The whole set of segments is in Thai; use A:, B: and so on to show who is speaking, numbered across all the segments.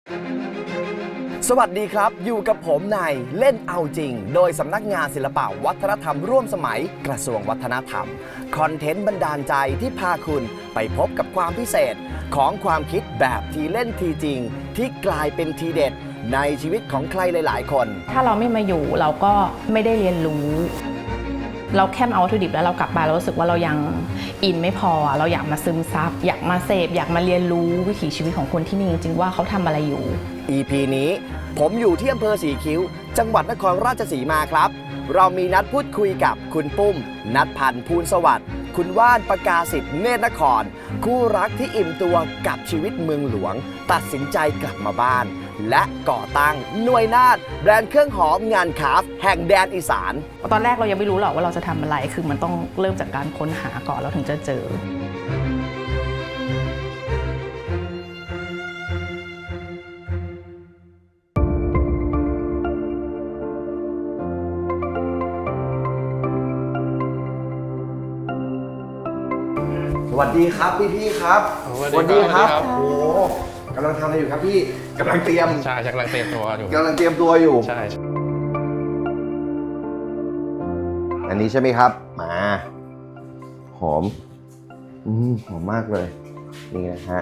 A: สวัสดีครับอยู่กับผมในเล่นเอาจริงโดยสำนักงานศิลปะวัฒนธรรมร่วมสมัยกระทรวงวัฒนธรรมคอนเทนต์บันดาลใจที่พาคุณไปพบกับความพิเศษของความคิดแบบทีเล่นทีจริงที่กลายเป็นทีเด็ดในชีวิตของใครหลายๆคน
B: ถ้าเราไม่มาอยู่เราก็ไม่ได้เรียนรู้เราแค่เอาวัตถุดิบแล้วเรากลับมาเรารู้สึกว่าเรายังอินไม่พอเราอยากมาซึมซับอยากมาเสพอยากมาเรียนรู้วิถีชีวิตของคนที่นี่จริงๆว่าเขาทำอะไรอยู่
A: EP นี้ผมอยู่ที่อำเภอสีคิ้วจังหวัดนครราชสีมาครับเรามีนัดพูดคุยกับคุณปุ้มณัฐพันธ์ภูลสวัสดิ์คุณว่านประกาศิษฐ์เนตรนครคู่รักที่อิ่มตัวกับชีวิตเมืองหลวงตัดสินใจกลับมาบ้านและก่อตั้งหน่วยนาฏแบรนด์เครื่องหอมงานคราฟต์แห่งแดนอีสาน
B: ตอนแรกเรายังไม่รู้หรอกว่าเราจะทำอะไรคือมันต้องเริ่มจากการค้นหาก่อนเราถึงจะเจอ
A: สวัสดีครับพี่ครับ
C: สวัสดีครับ
A: โอ้กำลังทำอะไรอยู่ครับพี่กำลังเตรียม
C: ใช่กำลังเตรียมตัวอยู่
A: ใช่ อันนี้ใช่ไหมครับมาหอมหอมมากเลยนี่นะฮะ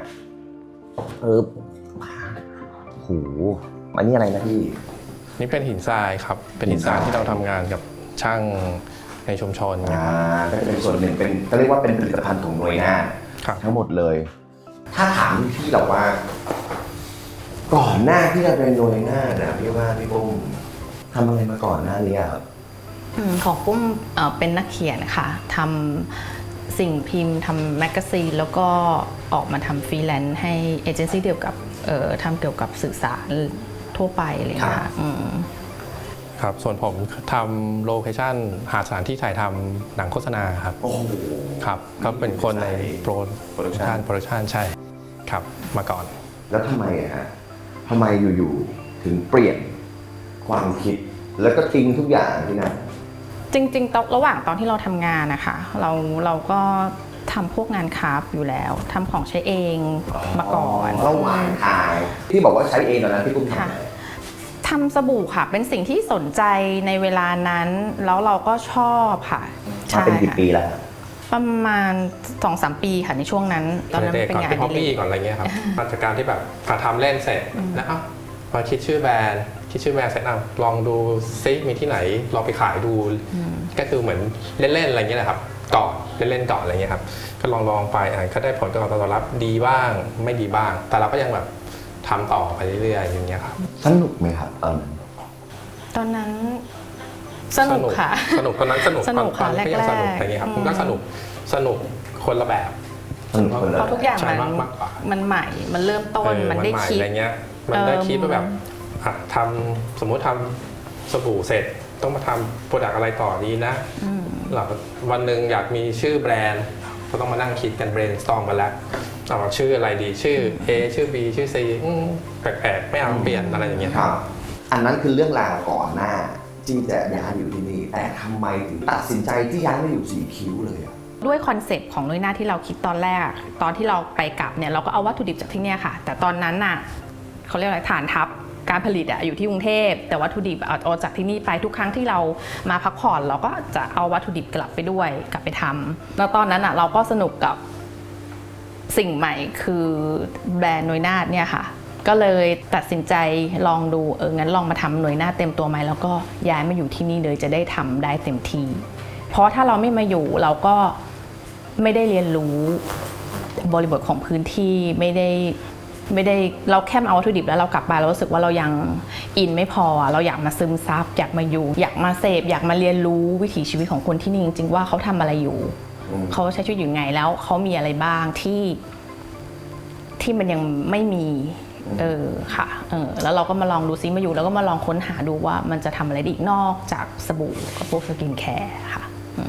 A: โหอันนี้อะไรนะพี่
C: นี่เป็นหินทรายครับเป็นหินทรายที่เราทำงานกับช่างในชุมชน
A: ก็เป็นส่วนหนึ่งเป็นก็เรียกว่าเป็นผลิตภัณฑ์ของหน่วยงานทั้งหมดเลยถ้าถามพี่เราว่าก่อนหน้าที่จะเป็นหน่วยงานนะพี่ว่าพี่ปุ้มทำอะไรมาก่อนหน้านี้ครับ
B: ของปุ้มเป็นนักเขียนค่ะทำสิ่งพิมพ์ทำแมกกาซีนแล้วก็ออกมาทำฟรีแลนซ์ให้เอเจนซี่เดียวกับทำเกี่ยวกับสื่อสารทั่วไปเลยค่ะ
C: ครับส่วนผมทำโลเคชั่นหาสถานที่ถ่ายทำหนังโฆษณาครับครับก็เป็นคนในโปรดักชันใช่ครับมาก่อน
A: แล้วทำไมทำไมอยู่ๆถึงเปลี่ยนความคิดแล้วก็ทิ้งทุกอย่างที่นั่น
B: จริงๆระหว่างตอนที่เราทำงานนะคะเราก็ทำพวกงานคราฟต์อยู่แล้วทำของใช้เองมาก่อน
A: ระหว่างทางที่บอกว่าใช้เองตอนนั้นพี่ปุ้ม
B: ทำสบู่ค่ะเป็นสิ่งที่สนใจในเวลานั้นแล้วเราก็ชอบค่ะ
A: มาเป็นกี่ปีแล้ว
B: ประมาณ 2-3 ปีค่ะในช่วงนั้น
C: ตอนนั้นเป็นงานฮอบบี้ก่อนอะไรเงี้ยครับมาจากการที่แบบทำเล่นเสร็จแล้วพอคิดชื่อแบรนด์เสร็จลองดูซิมีที่ไหนลองไปขายดูก็คือเหมือนเล่นๆอะไรเงี้ยนะครับก่อนเล่นๆก่อนอะไรเงี้ยครับก็ลองไปก็ได้ผลตอบรับดีบ้างไม่ดีบ้างแต่เราก็ยังแบบทำต่อไปเรื่อยๆอย่างเงี้ยครับ
A: สนุกไหมครับ
B: ตอนนั้นสนุกค่ะ
C: สนุกตอนนั้นสนุก
B: ค่ะแรกๆ
C: สนุกอะไรเงี้ยครับผมก็สนุกคนละแบบ
B: เพราะทุกอย่างมันใหม่มันเริ่มต้นมันได้คิด
C: อะไรเงี้ยมันได้คิดว่าแบบสมมติทำสบู่เสร็จต้องมาทำโปรดักต์อะไรต่อดีนะวันหนึ่งอยากมีชื่อแบรนด์ก็ต้องมานั่งคิดกัน brainstorm กันแล้วชื่ออะไรดีชื่อ A ชื่อ B ชื่อ C แปลกๆไม่เอาเปลี่ยนอะไรอย่างเงี้ย
A: ครับอันนั้นคือเรื่องราวก่อนหน้าที่จะย้ายอยู่ที่นี่แต่ทำไมถึงตัดสินใจที่ย้ายมาอยู่สีคิ้วเลย
B: ด้วยคอนเซปต์ของหน่วยหน้าที่เราคิดตอนแรกตอนที่เราไปกลับเนี่ยเราก็เอาวัตถุดิบจากที่นี่ค่ะแต่ตอนนั้นน่ะเขาเรียกอะไรฐานทัพการผลิตอยู่ที่กรุงเทพแต่วัตถุดิบเอาจากที่นี่ไปทุกครั้งที่เรามาพักผ่อนเราก็จะเอาวัตถุดิบกลับไปด้วยกลับไปทำแล้วตอนนั้นเราก็สนุกกับสิ่งใหม่คือแบรนด์หน่วยนาฏเนี่ยค่ะก็เลยตัดสินใจลองดูงั้นลองมาทำหน่วยนาฏเต็มตัวไหมแล้วก็ย้ายมาอยู่ที่นี่เลยจะได้ทำได้เต็มที่เพราะถ้าเราไม่มาอยู่เราก็ไม่ได้เรียนรู้บริบทของพื้นที่ไม่ได้เราแค่เอาวัตถุดิบแล้วเรากลับมาเรารู้สึกว่าเรายังอินไม่พอเราอยากมาซึมซับอยากมาอยู่อยากมาเสพอยากมาเรียนรู้วิถีชีวิตของคนที่นี่จริงๆว่าเขาทำอะไรอยู่เขาใช้ชีวิตอยู่ไงแล้วเขามีอะไรบ้างที่มันยังไม่มีค่ะแล้วเราก็มาลองดูซิมาอยู่แล้วก็มาลองค้นหาดูว่ามันจะทำอะไรได้อีกนอกจากสบู่กับพวกสกินแคร์ค่ะ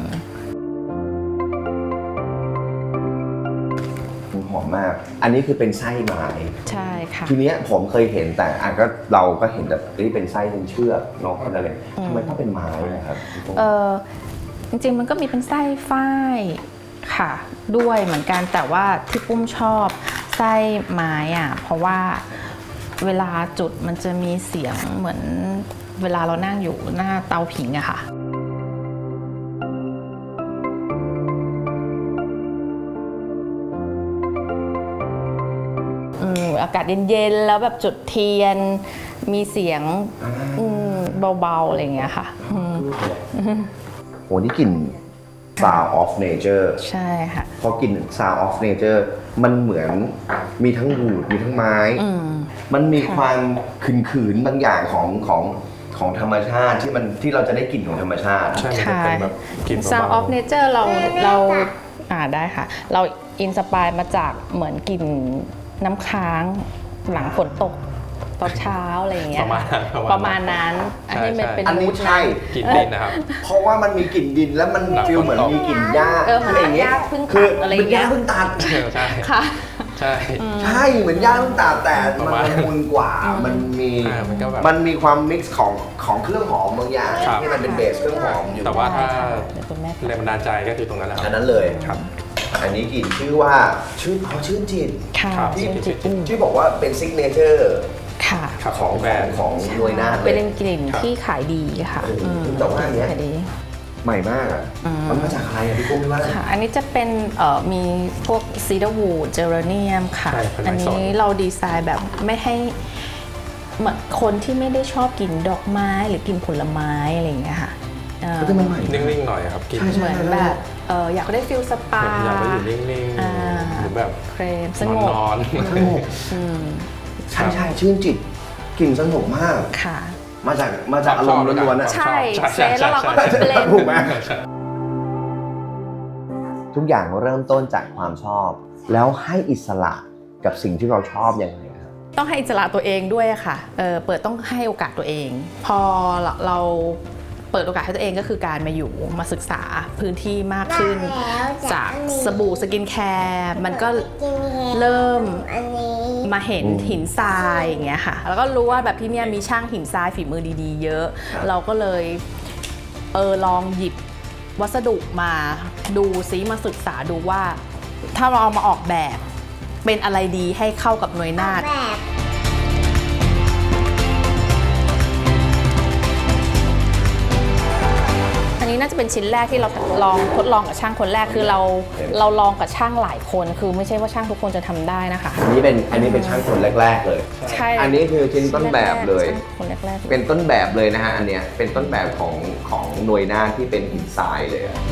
A: หอมมากอันนี้คือเป็นไส้ไม้
B: ใช่ค่ะ
A: ทีนี้ผมเคยเห็นแต่ก็เราก็เห็นแบบนี่เป็นไส้เป็นเชือกนอกอะไรทำไมต้องเป็นไม้นะครับ
B: จริงๆมันก็มีเป็นไส้ฝ้ายค่ะด้วยเหมือนกันแต่ว่าที่ปุ้มชอบไส้ไม้เพราะว่าเวลาจุดมันจะมีเสียงเหมือนเวลาเรานั่งอยู่หน้าเตาผิงอะค่ะอากาศเย็นๆแล้วแบบจุดเทียนมีเสียงเบาๆอะไรอย่างเงี้ยค่ะ
A: โหนี่กลิ่น Sound of Nature
B: ใช่ค่ะ
A: พอกลิ่น Sound of Nature มันเหมือนมีทั้งวูดมีทั้งไม้ มันมีความขืนๆบางอย่างของธรรมชาติที่เราจะได้กลิ่นของธรรมชาติ
C: ใช่มันจะเป็นแบบกลิ่น
B: Sound
C: เบา
B: of Nature เราได้ค่ะ เราอินสปายมาจากเหมือนกลิ่นน้ำค้างหลังฝนตกตอนเช้าอะไรอย่างเงี้ยประมาณนั้นอันนี้มันเป็น
A: อันนี้ใช่
C: กลิ่นดินนะครับ
A: เพราะว่ามันมีกลิ่นดินแล้วมันฟีลเหมือนมีกลิ่นหญ้า
B: เหมือนหญ้าเพิ่ง
A: คื
B: ตัดอะไรอย่างเงี้ย
A: หญ้าเพิ่งตัด
C: ใช่
B: ค่ะ
C: ใช่
A: ใช่เหมือนหญ้าเพิ่งตัดแต่มันละมุนกว่ามันมี
C: มันก็แบบ
A: มันมีความมิกซ์ของเครื่องหอมบางอย่าง
C: ครับ
A: ที่มันเป็นเบสเครื่องหอมอยู่
C: แต่ว่าถ้า
B: เดี๋ยวคุณแม่
C: แรงบันดาลใจก็คือตรงนั้นแหละค
A: อั
C: รับ
A: นนั้นเลย
C: ครับ
A: อันนี้กลิ่นชื่อว่าชื่นจิต
B: ค่ะ
C: ครับ
A: ที่บอกว่าเป็นซิกเนเจอร์
B: ค่ะ
C: ครับ
A: ของ
C: แบรนด์
A: ของหน่วยนาฏเล
B: เป็
A: ย
B: นกลิ่นที่ขายดีค่ะ
A: แต่ว่าอันเนี้ย
B: ขายดี
A: ใหม่มากอ่ะมันมาจากอะไรอ่ะพี่กุ้งพี่ว่า
B: ค่ะ อันนี้จะเป็นมีพวกซีดาร์วูดเจอร์เนียมค่ะ
C: ใช่เป็นไม้
B: อัน
C: สด
B: นี้เราดีไซน์แบบไม่ให้เหมือนคนที่ไม่ได้ชอบกินดอกไม้หรือกินผลไม้อะไรอย่างเงี้ยค่ะ
A: ก็จะมันใหม่
C: นิ่งๆหน่อยครับกลิ่น
A: ใช่
B: เหมือนแบบอยากได้ฟิลสปา
C: อยากไปอยู่นิ่งๆหรือแบบ
B: เครมสงบ
C: นอน
A: สงบใช่ชื่นจิตกลิ่นสงบมาก
B: ค่ะ
A: มาจากอารมณ์ล้วนๆนะ
B: ใช่เซตแล้วเราก็เบลนด์
A: ถูกไหมทุกอย่างเริ่มต้นจากความชอบ แล้วให้อิสระกับสิ่งที่เราชอบยังไงครับ
B: ต้องให้อิสระตัวเองด้วยค่ะต้องให้โอกาสตัวเอง พอเราเปิดโอกาสให้ตัวเองก็คือการมาอยู่มาศึกษาพื้นที่มากขึ้น จากสบู่สกินแคร์มันก็เริ่มมาเห็นหินทรายอย่างเงี้ยค่ะแล้วก็รู้ว่าแบบที่เนี่ยมีช่างหินทรายฝีมือดีๆเยอะ เราก็เลยลองหยิบวัสดุมาดูซิมาศึกษาดูว่าถ้าเราเอามาออกแบบเป็นอะไรดีให้เข้ากับหน่วยนาฏอันนี้น่าจะเป็นชิ้นแรกที่เราทดลองกับช่างคนแรกคือเราลองกับช่างหลายคนคือไม่ใช่ว่าช่างทุกคนจะทำได้นะคะ
A: อันนี้เป็นช่างคนแรกๆเลย
B: ใช่
A: อันนี้คือชิ้นต้นแบบเลย
B: คนแรกๆ
A: เป็นต้นแบบเลยนะฮะอันเนี้ยเป็นต้นแบบของหน่วยนาฏที่เป็นหินทรายเลยอะ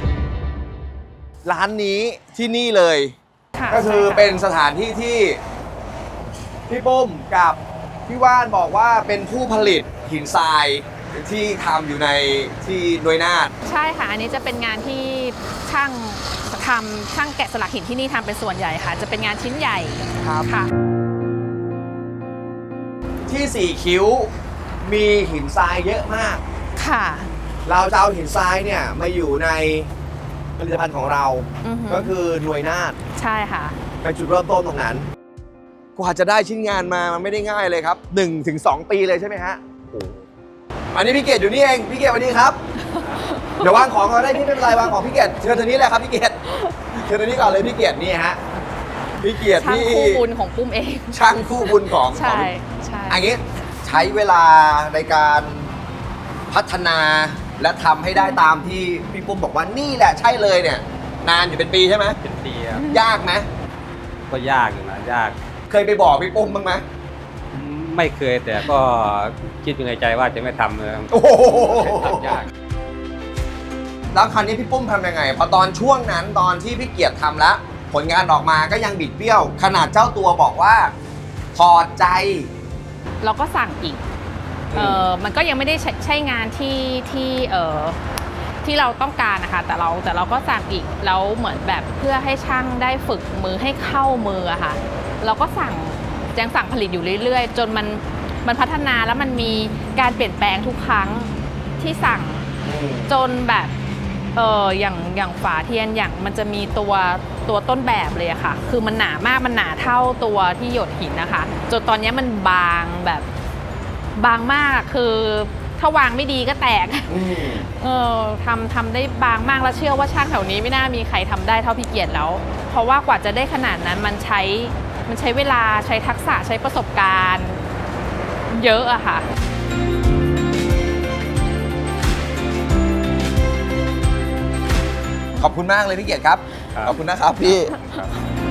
A: ร้านนี้ที่นี่เลย
B: ะ
A: ก็คือ
B: ใช่ะ
A: เป็นสถานที่ที่พี่ปุ้มกับพี่ว่านบอกว่าเป็นผู้ผลิตหินทรายที่ทำอยู่ในที่หน่วยนาฏ
B: ใช่ค่ะ อันนี้จะเป็นงานที่ช่างแกะสลักหินที่นี่ทำเป็นส่วนใหญ่ค่ะ จะเป็นงานชิ้นใหญ่
A: ครับ
B: ค่ะ
A: ที่สี่คิ้วมีหินทรายเยอะมาก
B: ค่ะ
A: เราจะเอาหินทรายเนี่ยมาอยู่ในผลิตภัณฑ์ของเรา
B: อือหือ
A: ก็คือหน่วยนาฏ
B: ใช่ค่ะ
A: เป็นจุดเริ่มต้นตรงนั้นกว่าจะได้ชิ้นงานมามันไม่ได้ง่ายเลยครับ 1-2 ปีเลยใช่ไหมฮะอันนี้พี่เกดอยู่นี่เองพี่เกดสวัสดีครับ เดี๋ยววางของก่อนได้พี่ไม่เป็นไรวางของพี่เกดเชิญทางนี้เลยครับพี่เกดเชิญทางนี้ก่อนเลยพี่เกดนี่ฮะพี่เกด
B: ช่าง
A: นี่
B: คู่บุญของปุ้มเอง
A: ช่างคู่บุญของ
B: ใช่ใช่
A: อันนี้ใช้เวลาในการพัฒนาและทำให้ได้ตามที่พี่ปุ้มบอกว่านี่แหละใช่เลยเนี่ยนานอยู่เป็นปีใช่ไหม
D: เป็นปีครับ
A: ยากไหม
D: ก็ยากอยู่นะยาก
A: เคยไปบอกพี่ปุ้มบ้างไหม
D: ไม่เคยแต่ก็คิดอยู่ในใจว่าจะไม่ทำเลยครับ
A: โอ้โห
D: ทำยาก
A: แล้วคราวนี้พี่ปุ้มทำยังไงพอตอนช่วงนั้นตอนที่พี่เกียรติทำแล้ว ผลงานออกมาก็ยังบิดเบี้ยว ขนาดเจ้าตัวบอกว่าถอดใจ
B: เราก็สั่งอีก มันก็ยังไม่ได้ใช่งานที่เราต้องการนะคะแต่เราก็สั่งอีกแล้วเหมือนแบบเพื่อให้ช่างได้ฝึกมือให้เข้ามืออะค่ะเราก็ยังสั่งผลิตอยู่เรื่อยๆ จนมันพัฒนาแล้วมันมีการเปลี่ยนแปลงทุกครั้งที่สั่งจนแบบอย่างฝาเทียนอย่างมันจะมีตัวต้นแบบเลยอะค่ะคือมันหนามากมันหนาเท่าตัวที่หยดหินนะคะจนตอนนี้มันบางแบบบางมากคือถ้าวางไม่ดีก็แตกทำได้บางมากแล้วเชื่อว่าช่างแถวนี้ไม่น่ามีใครทำได้เท่าพี่เกียรติแล้ว เพราะว่ากว่าจะได้ขนาดนั้นมันใช้มันใช้เวลาใช้ทักษะใช้ประสบการณ์เยอะอะค่ะ
A: ขอบคุณมากเลยพี่เกียรติครับ
D: ครับ
A: ขอบคุณนะครับพี่
D: ครับ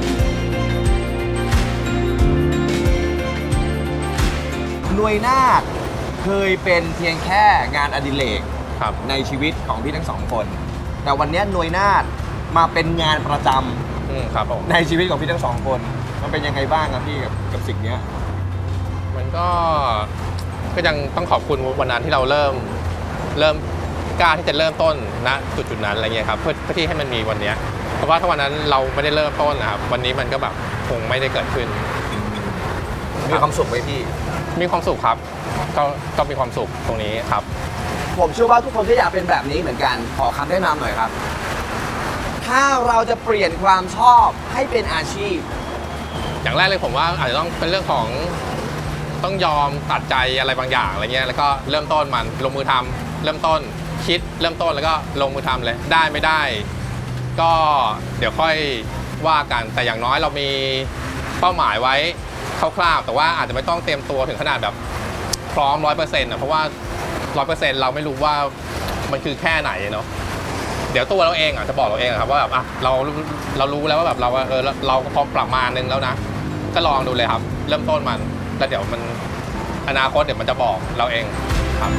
A: หน่วยนาฏเคยเป็นเพียงแค่งานอดิเรก
C: ครับ
A: ในชีวิตของพี่ทั้งสองคน แต่วันนี้หน่วยนาฏมาเป็นงานประจำ
C: ครับผม
A: ในชีวิตของพี่ทั้งสองคน มันเป็นยังไงบ้างครับพี่กับสิ่งเนี้ย
C: มันก็ยังต้องขอบคุณวันนั้นที่เราเริ่มกล้าที่จะเริ่มต้นณจุดนั้นอะไรเงี้ยครับเพื่อที่ให้มันมีวันเนี้ยเพราะว่าถ้าวันนั้นเราไม่ได้เริ่มต้นนะครับวันนี้มันก็แบบคงไม่ได้เกิดขึ้น
A: มีความสุขไหมพี่
C: มีความสุขครับก็มีความสุขตรงนี้ครับ
A: ผมเชื่อว่าทุกคนก็อยากเป็นแบบนี้เหมือนกัน ขอคำแนะนำหน่อยครับ ถ้าเราจะเปลี่ยนความชอบให้เป็นอาชีพ
C: อย่างแรกเลยผมว่าอาจจะต้องเป็นเรื่องของต้องยอมตัดใจอะไรบางอย่างอะไรเงี้ยแล้วก็เริ่มต้นมันลงมือทำเริ่มต้นคิดเริ่มต้นแล้วก็ลงมือทำเลยได้ไม่ได้ ก็เดี๋ยวค่อยว่ากันแต่อย่างน้อยเรามีเป้าหมายไว้คร่าวๆแต่ว่าอาจจะไม่ต้องเตรียมตัวถึงขนาดแบบพร้อม 100%นะเพราะว่า 100% เราไม่รู้ว่ามันคือแค่ไหนเนาะเดี๋ยวตัวเราเองจะบอกเราเองครับว่าแบบเรารู้แล้วว่าแบบเราก็พร้อมประมาณนึงแล้วนะก็ลองดูเลยครับเริ่มต้นมันแล้วเดี๋ยวมันอนาคตเดี๋ยวมันจะบอกเราเองครับ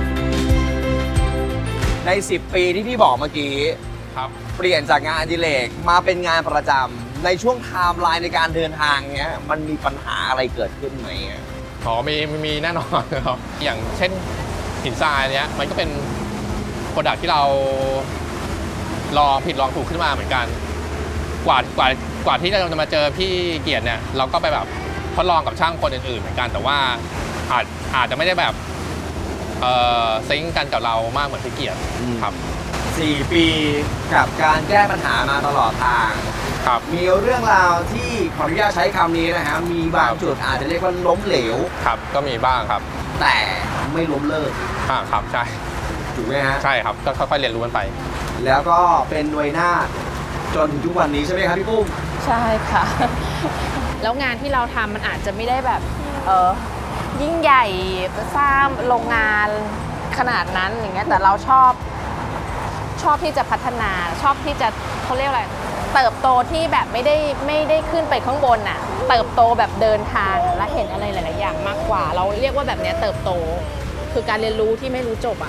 A: ใน 10 ปีที่พี่บอกเมื่อกี้
C: ครับ
A: เปลี่ยนจากงานอดิเรกมาเป็นงานประจำในช่วงไทม์ไลน์ในการเดินทางเนี้ยมันมีปัญหาอะไรเกิดขึ้นไหมอะ
C: มีแน่นอนครับอย่างเช่นหินทรายเนี้ยมันก็เป็นโปรดักที่เราลองผิดลองถูกขึ้นมาเหมือนกันกว่าที่เราจะมาเจอพี่เกียรติเนี่ยเราก็ไปแบบทดลองกับช่างคนอื่นๆเหมือนกันแต่ว่าอาจจะไม่ได้แบบซิงค์กันกับเรามากเหมือนพี่เกียรติครับ
A: 4 ปีกับการแก้ปัญหามาตลอดทาง
C: ครับ
A: มีเรื่องราวที่ขออนุญาตใช้คำนี้นะฮะมีบางจุดอาจจะเรียกว่าล้มเหลว
C: ครับก็มีบ้างครับ
A: แต่ไม่ล้มเลิก
C: ครับใช่
A: ถูกไหมฮะ
C: ใช่ครับก็ค่อยๆเรียนรู้กันไป
A: แล้วก็เป็นหน่วยนาฏจนถึงทุกวันนี้ใช่ไหมครับพี่ปุ้ม
B: ใช่ค่ะ แล้วงานที่เราทำมันอาจจะไม่ได้แบบยิ่งใหญ่สร้างโรงงานขนาดนั้นอย่างเงี้ยแต่เราชอบที่จะพัฒนาชอบที่จะเขาเรียกอะไรเติบโตที่แบบไม่ได้ขึ้นไปข้างบนน่ะเติบโตแบบเดินทางและเห็นอะไรหลายๆอย่างมากกว่า เราเรียกว่าแบบเนี้ยเติบโตคือการเรียนรู้ที่ไม่รู้จบอ่ะ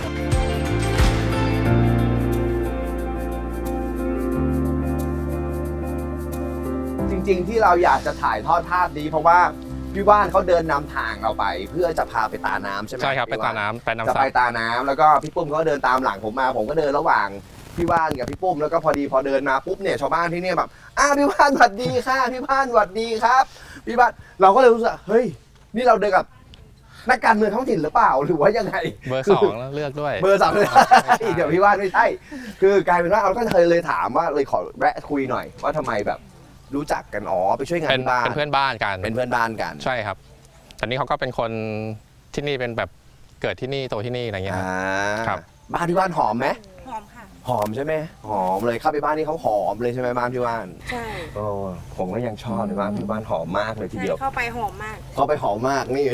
A: จริงๆที่เราอยากจะถ่ายทอดภาพนี้เพราะว่าพี่ว่านเขาเดินนำทางเราไป เพื่อจะพาไปตาน้ำใช่ไหม
C: ใช่ครับไป
A: พี่ว่
C: ตาน้ำไปน้ำ
A: จะ
C: ซั
A: ไป
C: บ
A: ตาน้ำแล้วก็พี่ปุ้มเขาเดินตามหลังผมมาผมก็เดินระหว่างพี่ว่านกับพี่ปุ้มแล้วก็พอเดินมาปุ๊บเนี่ยชาวบ้านที่เนี่ยแบบพี่ว่านสวัสดีค่ะพี่ว่านสวัสดีครับพี่ว่านเราก็เลยรู้สึกเฮ้ยนี่เราเดินกับนักการเมืองท้องถิ่นหรือเปล่าหรือว่ายังไง
C: เบอร์ 2แล้วเลือกด้วย
A: เบอร์สามเลยเดี๋ยวพี่ว่านไม่ใช่คือกลายเป็นว่าเราก็เลยถามว่าเลยขอแวะคุยหน่อยว่าทำไมแบบรู้จักกันไปช่วยงาน
C: เป็น
A: ที่บ้าน
C: เพื่อนบ้านกัน
A: เป็นเพื่อนบ้านกัน
C: ใช่ครับแต่นี่เขาก็เป็นคนที่นี่เป็นแบบเกิดที่นี่โตที่นี่อะไรเงี้ยครับ
A: บ้านพี่ว่านหอมไหม
E: หอมค่ะ
A: หอมใช่ไหมหอมเลยเข้าไปบ้านนี่เขาหอมเลยใช่ไหมบ้านพี่ว่าน
E: ใช่
A: โอ้ผมก็ยังชอบเลยบ้านพี่ว่านหอมมากเลยที
E: ใช่
A: เดียว
E: เข้าไปหอมมาก
A: เข้าไปหอมมากนี่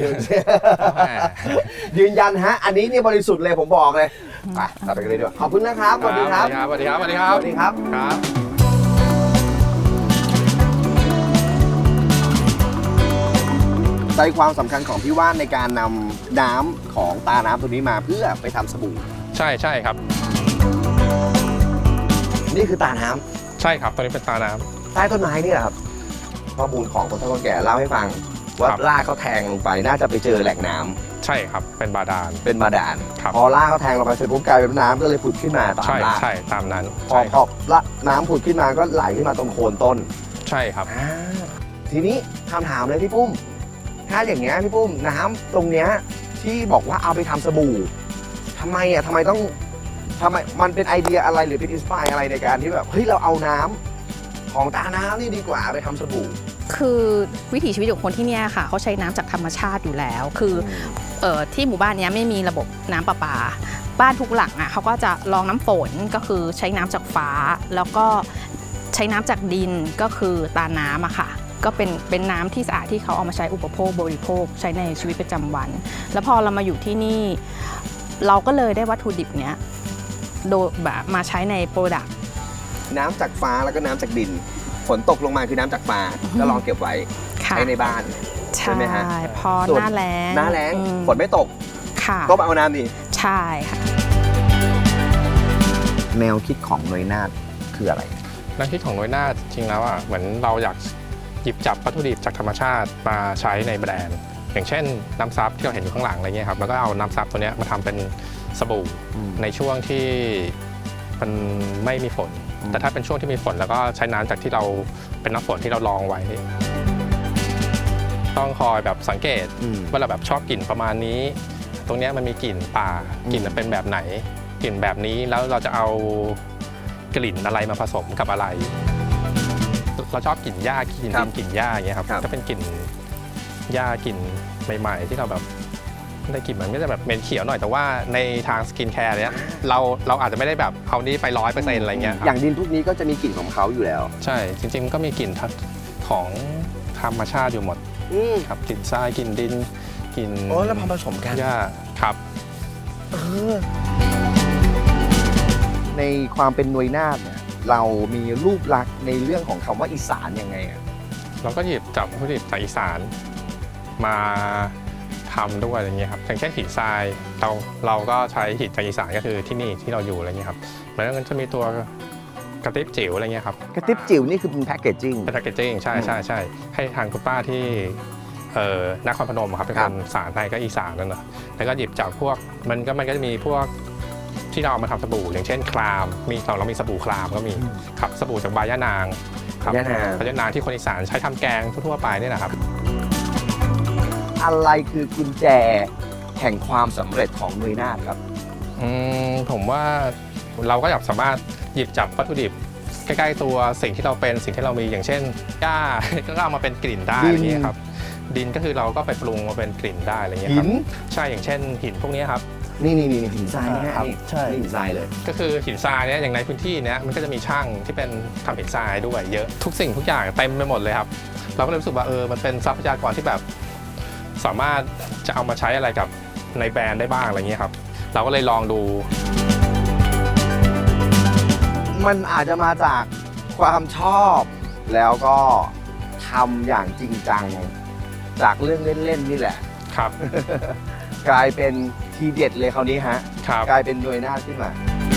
A: ยืนยันฮะอันนี้นี่บริสุทธิ์เลยผมบอกเลยไปเราไปกันเลยดีกว่าขอบคุณนะครับสวัสดีครับ
C: สวัสดีครับสวัสดีครับ
A: สวัสดีครับ
C: ครับ
A: ใจความสำคัญของพี่ว่านในการนำน้ำของตาน้ำตัวนี้มาเพื่อไปทำสบู่
C: ใช่ครับ
A: นี่คือตาน้ำ
C: ใช่ครับตัวนี้เป็นตาน้ำ
A: ใต้ต้นไม้นี่แหละครับข้อมูลของคนเฒ่าคนแก่เล่าให้ฟังว่า
C: ครับ
A: ลากเขาแทงลงไปน่าจะไปเจอแหล่งน้ำ
C: ใช่ครับเป็นบาดาล
A: เป็นบาดาล
C: ครับ
A: พอลากเขาแทงลงไปเสร็จปุ๊บกลายเป็นน้ำก็เลยผุดขึ้นมาตาม
C: ใช่
A: ลาก
C: ใช่ตามนั้น
A: พอ
C: ใช่ครับ
A: ละน้ำผุดขึ้นมาก็ไหลขึ้นมาตรงโคนต้น
C: ใช่ครับ
A: ทีนี้คำถามเลยพี่ปุ้มถ้าอย่างเงี้ยพี่ปุ้มน้ำตรงเนี้ยที่บอกว่าเอาไปทำสบู่ทำไมต้องทำไมมันเป็นไอเดียอะไรหรือเป็นอินสปายอะไรในการที่แบบเฮ้ยเราเอาน้ำของตาน้ำนี่ดีกว่าไปทำสบู่
B: คือวิถีชีวิตของคนที่เนี่ยค่ะเขาใช้น้ำจากธรรมชาติอยู่แล้วคือที่หมู่บ้านเนี้ยไม่มีระบบน้ำประปาบ้านทุกหลังอ่ะเขาก็จะรองน้ำฝนก็คือใช้น้ำจากฟ้า แล้วก็ใช้น้ำจากดินก็คือตาน้ำอะค่ะก็เป็นน้ำที่สะอาดที่เขาเอามาใช้อุปโภคบริโภคใช้ในชีวิตประจำวัน แล้วพอเรามาอยู่ที่นี่เราก็เลยได้วัตถุดิบเนี้ยโดยแบบมาใช้ในโปรดักต์
A: น้ำจากฟ้าแล้วก็น้ำจากดิน ฝนตกลงมาคือน้ำจากฟ้าก็ลองเก็บไว้ใช้ในบ้าน ใช่ไหมฮะ
B: พอ
A: ส่วน
B: หน้าแล้ง
A: หน้าแล้งฝนไม่ตก
B: ค่ะ
A: ก็มาเอาน้ำนี่
B: ใช่ค่ะ
A: แนวคิดของหน่วยนาฏคืออะไร
C: นักคิดของน้อยหน้าจริงแล้วอ่ะเหมือนเราอยากหยิบจับวัตถุดิบจากธรรมชาติมาใช้ในแบรนด์ อย่างเช่นน้ำซับที่เราเห็นอยู่ข้างหลังอะไรเงี้ยครับแล้วก็เอาน้ำซับตัวเนี้ยมาทำเป็นสบู่ในช่วงที่มันไม่มีฝน แต่ถ้าเป็นช่วงที่มีฝนแล้วก็ใช้น้ำจากที่เราเป็นน้ำฝนที่เราลองไว้ ต้องคอยแบบสังเกตว่าเราแบบชอบกลิ่นประมาณนี้ ตรงเนี้ยมันมีกลิ่นป่ากลิ่นมันเป็นแบบไหนกลิ่นแบบนี้แล้วเราจะเอากลิ่นอะไรมาผสมกับอะไร เราชอบกลิ่นหญ้ากลิ่นดินกลิ่นหญ้าอย่างเงี้ยครับก็เป็นกลิ่นหญ้ากลิ่นใหม่ๆที่เราแบบได้กลิ่นมันก็จะแบบเหม็นเขียวหน่อยแต่ว่าในทางสกินแคร์เนี้ยเราอาจจะไม่ได้แบบเอานี้ไป100%อะไรเงี้ยครับ
A: อย่างดินพวกนี้ก็จะมีกลิ่นของเขาอยู่แล้ว
C: ใช่จริงๆก็มีกลิ่นของธรรมชาติอยู่หมดครับกลิ่นทรายกลิ่นดินกลิ่น
A: โอ้แล้วพอผสมกัน
C: หญ้าครับ
A: ในความเป็นหน่วยนาฏเนี่ยเรามีรูปลักษณ์ในเรื่องของคำว่าอีสานยังไงอะ
C: เราก็หยิบจับวัตถุดิบจากอีสานมาทำด้วยอะไรเงี้ยครับอย่างเช่นหินทรายเราก็ใช้หินจากอีสานก็คือที่นี่ที่เราอยู่อะไรเงี้ยครับแล้วก็จะมีตัวกระติบจิ๋วอะไรเงี้ยครับ
A: กระติบจิ๋วนี่คือเป็นแพ็กเกจจิ้ง
C: เป็นแพคเกจจิ้งใช่ให้ทางคุณป้าที่นครพนมครับเป็นคนสารไทยก็อีสานนั่นนะแล้วก็หยิบจากพวกมันก็จะมีพวกที่เราเอามาทำสบู่อย่างเช่นครามเรามีสบู่ครามก็มีครับสบู่จากใบย่านางครับ
A: ย่านาง
C: ใบย่านางที่คนอีสานใช้ทำแกงทั่วๆไปนี่แหละครับ
A: อะไรคือกุญแจแห่งความสำเร็จของหน่วยนาฏครับ
C: ผมว่าเราก็อยากสามารถหยิบจับวัตถุดิบใกล้ๆตัวสิ่งที่เราเป็นสิ่งที่เรามีอย่างเช่นหญ้า ก็เอามาเป็นกลิ่นได้อะไรอย่างเงี้ยครับดินก็คือเราก็ไปปรุงมาเป็นกลิ่นได้อะไรเงี้ยครับใช่อย่างเช่นหินพวกนี้ครับ
A: นี่หินทรายนะฮะ
C: ครับ
A: นี่
C: ใช่
A: หินทรายเลย
C: ก็คือหินทรายเนี่ยอย่างในพื้นที่เนี้ยมันก็จะมีช่างที่เป็นทำหินทรายด้วยเยอะทุกสิ่งทุกอย่างเต็มไปหมดเลยครับเราก็เลยรู้สึกว่ามันเป็นทรัพยากรที่แบบสามารถจะเอามาใช้อะไรกับในแบรนด์ได้บ้างอะไรเงี้ยครับเราก็เลยลองดู
A: มันอาจจะมาจากความชอบแล้วก็ทำอย่างจริงจังจากเรื่องเล่นๆนี่แหละ
C: ครับ
A: กลายเป็นทีเด็ดเลยคราวนี้ฮะ
C: ครับ
A: กลายเป็นหน่วยนาฏขึ้นมา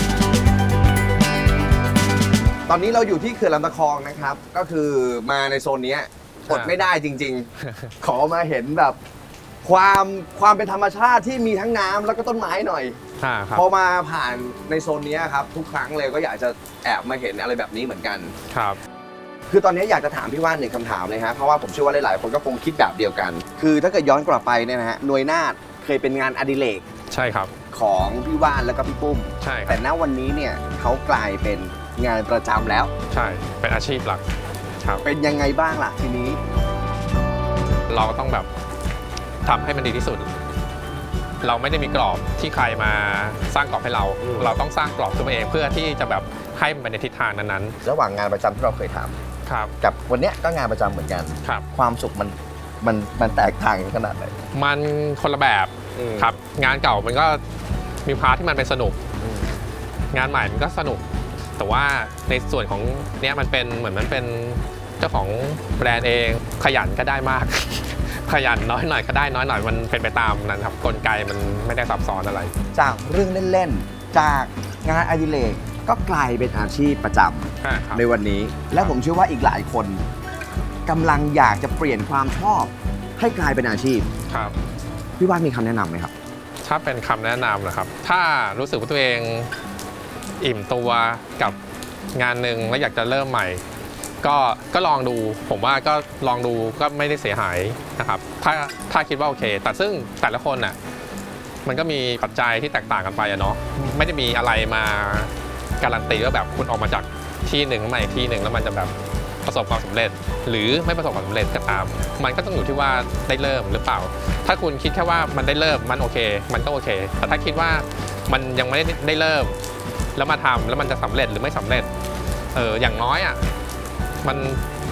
A: ตอนนี้เราอยู่ที่เขื่อนลำตะคองนะครับ ก็คือมาในโซนเนี้ยอดไม่ได้จริง ๆ ขอมาเห็นแบบความเป็นธรรมชาติที่มีทั้งน้ำแล้วก็ต้นไม้หน่อย
C: ครับ
A: พอมาผ่านในโซนเนี้ยครับ ทุกครั้งเลยก็อยากจะแอบมาเห็นอะไรแบบนี้เหมือนกัน
C: ครับ
A: คือตอนนี้อยากจะถามพี่ว่านหนึ่งคำถามเลยฮะเพราะว่าผมเชื่อว่าหลายๆคนก็คงคิดแบบเดียวกัน คือถ้าเกิดย้อนกลับไปเนี่ยนะฮะหน่วยนาฏเคยเป็นงานอดิเรก
C: ใช่ครับ
A: ของพี่ว่านแล้วก็พี่ปุ้ม
C: ใช่ค
A: แต่
C: รับ
A: ณวันนี้เนี่ยเขากลายเป็นงานประจำแล้ว
C: ใช่เป็นอาชีพหลักครับ
A: เป็นยังไงบ้างล่ะทีนี้
C: เราก็ต้องแบบทำให้มันดีที่สุด เราไม่ได้มีกรอบที่ใครมาสร้างกรอบให้เรา เราต้องสร้างกรอบตัวเองเพื่อที่จะแบบให้มันไปในทิศทางนั้น
A: ระหว่างงานประจำที่เราเคยท
C: ๆครับ
A: ำกับวันเนี้ยก็งานประจำเหมือนกัน
C: ครับ
A: ความสุขมันแตกต่างกันขนาดไหน
C: มันคนละแบบครับงานเก่ามันก็มีพาร์ทที่มันเป็นสนุก งานใหม่มันก็สนุก แต่ว่าในส่วนของเนี้ยมันเป็นเหมือนมันเป็นเจ้าของแบรนด์เองขยันก็ได้มาก ขยันน้อยหน่อยก็ได้น้อยหน่อยมันเป็นไปตามนั้นครับกลไกมันไม่ได้ซับซ้อนอะไร
A: จากเรื่องเล่นๆจากงานอดิเรกก็กลายเป็นอาชีพประจำในวันนี้ และผมเชื่อว่าอีกหลายคนกำลังอยากจะเปลี่ยนความชอบให้กลายเป็นอาชีพ
C: ครับ
A: พี่ว่านมีคำแนะนำไหมครับ
C: ถ้าเป็นคำแนะนำนะครับ ถ้ารู้สึกว่าตัวเองอิ่มตัวกับงานหนึ่งแล้วอยากจะเริ่มใหม่ ก็ลองดู ผมว่าก็ลองดูก็ไม่ได้เสียหายนะครับ ถ้าคิดว่าโอเค แต่ซึ่งแต่ละคนน่ะมันก็มีปัจจัยที่แตกต่างกันไปอะเนาะไม่ได้มีอะไรมาการันตีว่าแบบคุณออกมาจากที่หนึ่งมาอีกที่หนึ่งแล้วมันจะแบบประสบความสำเร็จ หรือไม่ประสบความสำเร็จก็ตาม มันก็ต้องอยู่ที่ว่าได้เริ่มหรือเปล่า ถ้าคุณคิดแค่ว่ามันได้เริ่มมันโอเค มันก็โอเค แต่ถ้าคิดว่ามันยังไม่ได้เริ่มแล้วมาทำแล้วมันจะสำเร็จหรือไม่สำเร็จอย่างน้อยอ่ะมัน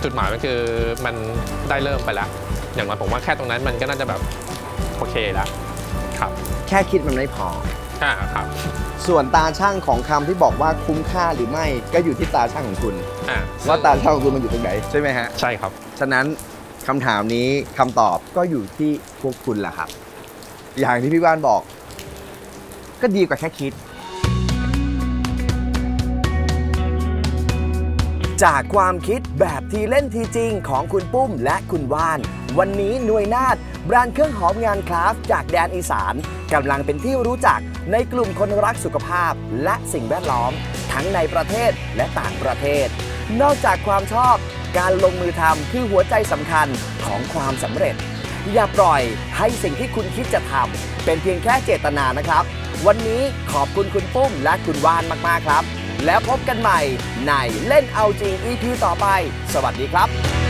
C: จุดหมายมันคือมันได้เริ่มไปแล้ว อย่างน้อยผมว่าแค่ตรงนั้นมันก็น่าจะแบบโอเคแล้วครับ
A: แค่คิดมันไม่พอ
C: ครับ
A: ส่วนตาช่างของคำที่บอกว่าคุ้มค่าหรือไม่ก็อยู่ที่ตาช่างของคุณ ว่าตาช่างของคุณมันอยู่ตรงไหนใช่ไหมฮะ
C: ใช่ครับ
A: ฉะนั้นคำถามนี้คำตอบก็อยู่ที่พวกคุณแหละครับ อย่างที่พี่ว่านบอก ก็ดีกว่าแค่คิด จากความคิดแบบทีเล่นทีจริงของคุณปุ้มและคุณว่าน วันนี้หน่วยนาฏแบรนด์เครื่องหอมงานคราฟต์จากแดนอีสานกำลังเป็นที่รู้จักในกลุ่มคนรักสุขภาพและสิ่งแวดล้อม ทั้งในประเทศและต่างประเทศ นอกจากความชอบการลงมือทำคือหัวใจสำคัญของความสำเร็จ อย่าปล่อยให้สิ่งที่คุณคิดจะทำเป็นเพียงแค่เจตนานะครับ วันนี้ขอบคุณคุณปุ้มและคุณว่านมากๆครับ แล้วพบกันใหม่ในเล่นเอาจริง EP ต่อไป สวัสดีครับ